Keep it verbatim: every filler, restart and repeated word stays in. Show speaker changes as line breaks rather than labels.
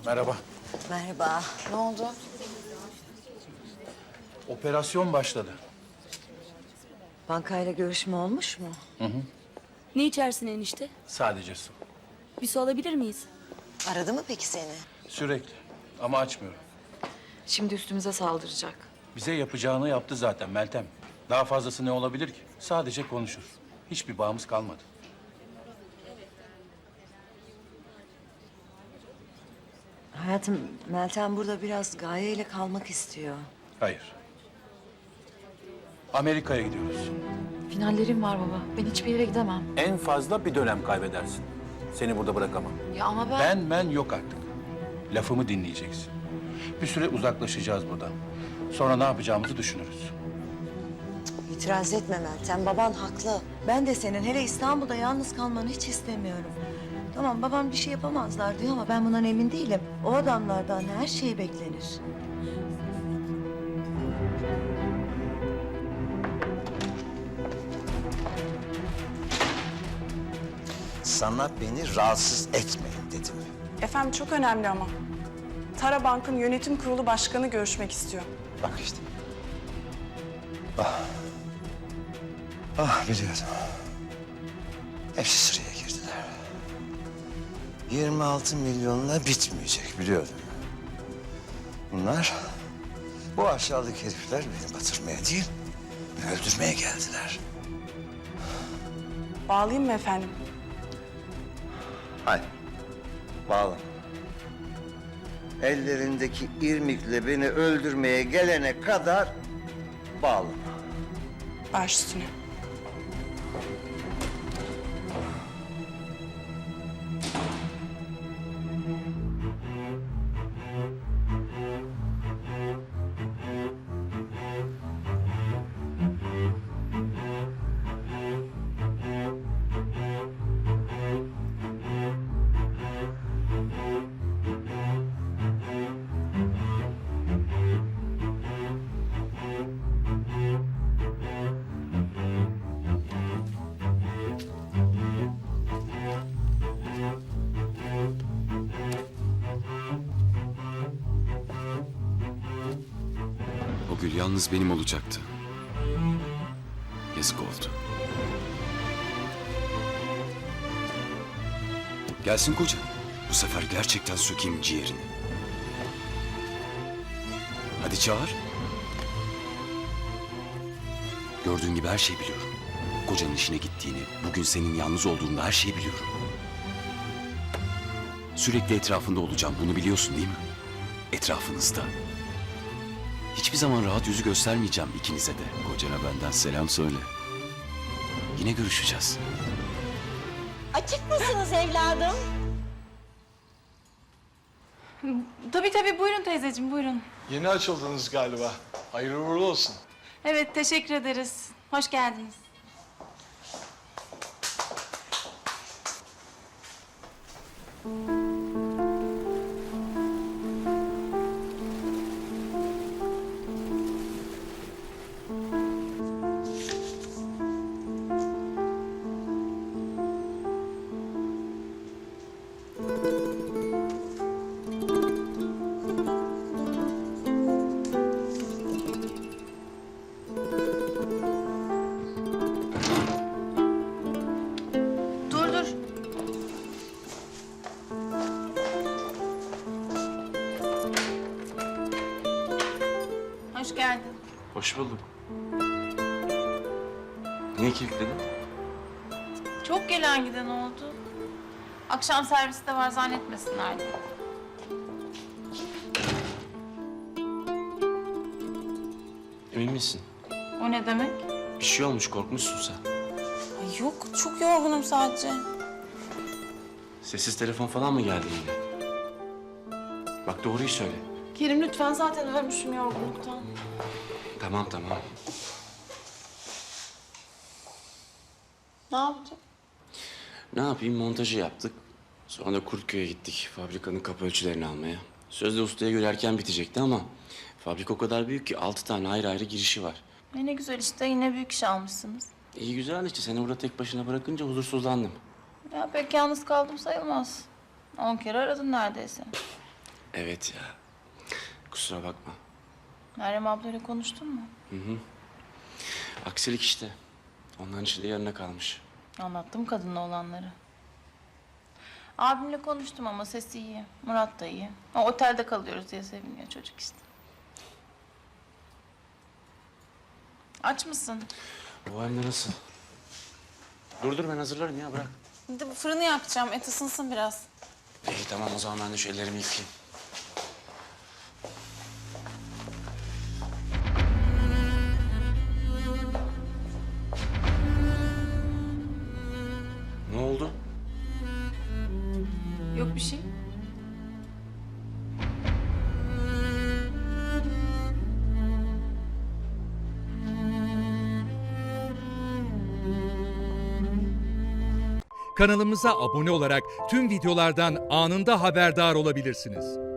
Merhaba.
Merhaba. Ne oldu?
Operasyon başladı.
Bankayla görüşme olmuş mu?
Ne içersin enişte?
Sadece su.
Bir su alabilir miyiz?
Aradı mı peki seni?
Sürekli. Ama açmıyorum.
Şimdi üstümüze saldıracak.
Bize yapacağını yaptı zaten Meltem. Daha fazlası ne olabilir ki? Sadece konuşur. Hiçbir bağımız kalmadı.
Hayatım, Meltem burada biraz Gaye ile kalmak istiyor.
Hayır. Amerika'ya gidiyoruz.
Finallerim var baba. Ben hiçbir yere gidemem.
En fazla bir dönem kaybedersin. Seni burada bırakamam.
Ya ama ben...
Ben ben yok artık. Lafımı dinleyeceksin. Bir süre uzaklaşacağız buradan. Sonra ne yapacağımızı düşünürüz.
İtiraz etme Meltem, baban haklı. Ben de senin hele İstanbul'da yalnız kalmanı hiç istemiyorum. Tamam, babam bir şey yapamazlar diyor ama ben bundan emin değilim. O adamlardan her şey beklenir.
Sana beni rahatsız etmeyin dedim.
Efendim çok önemli ama. Tara Bank'ın yönetim kurulu başkanı görüşmek istiyor.
Bak işte. Ah. Ah biliyordum. Hepsi sıraya girdiler. yirmi altı milyonla bitmeyecek biliyordum. Bunlar, bu aşağılık herifler beni batırmaya değil, beni öldürmeye geldiler.
Bağlayayım mı efendim?
Hayır, bağlama. Ellerindeki irmikle beni öldürmeye gelene kadar bağlama.
Baş üstüne.
O gül yalnız benim olacaktı. Yazık oldu. Gelsin koca. Bu sefer gerçekten sökeyim ciğerini. Hadi çağır. Gördüğün gibi her şeyi biliyorum. Kocanın işine gittiğini, bugün senin yalnız olduğunu da her şeyi biliyorum. Sürekli etrafında olacağım, bunu biliyorsun değil mi? Etrafınızda. Hiçbir zaman rahat yüzü göstermeyeceğim ikinize de. Kocana benden selam söyle. Yine görüşeceğiz.
Açık mısınız evladım?
Tabii tabii buyurun teyzeciğim buyurun.
Yeni açıldınız galiba. Hayırlı uğurlu olsun.
Evet teşekkür ederiz. Hoş geldiniz. Dur dur. Hoş geldin.
Hoş bulduk. Niye kilitledin?
Çok gelen giden oldu. Akşam servisi de var zannetmesinler diye.
Emin misin?
O ne demek?
Bir şey olmuş, korkmuşsun sen.
Ay yok çok yorgunum sadece.
Sessiz telefon falan mı geldi yine? Bak doğruyu söyle.
Kerim lütfen zaten ölmüşüm yorgunluktan.
Tamam tamam.
Ne yapacağım?
Ne yapayım, montajı yaptık. Sonra da Kurtköy'e gittik fabrikanın kapı ölçülerini almaya. Sözde ustaya göre erken bitecekti ama fabrika o kadar büyük ki altı tane ayrı ayrı girişi var.
E ne güzel işte yine büyük iş almışsınız.
İyi güzel işte, seni burada tek başına bırakınca huzursuzlandım.
Ya pek yalnız kaldım sayılmaz. On kere aradın neredeyse.
Evet ya. Kusura bakma.
Meryem ablayla konuştun mu?
Aksilik işte. Onların işi de yarına kalmış.
Anlattım kadınla olanları. Abimle konuştum ama sesi iyi. Murat da iyi. O otelde kalıyoruz diye seviniyor çocuk işte. Aç mısın?
Bu hem de nasıl? Dur dur ben hazırlarım ya bırak.
Bir de bu fırını yakacağım. Et ısınsın biraz.
İyi tamam o zaman ben de şu ellerimi yıkayayım. Ne oldu?
Yok bir şey.
Kanalımıza abone olarak tüm videolardan anında haberdar olabilirsiniz.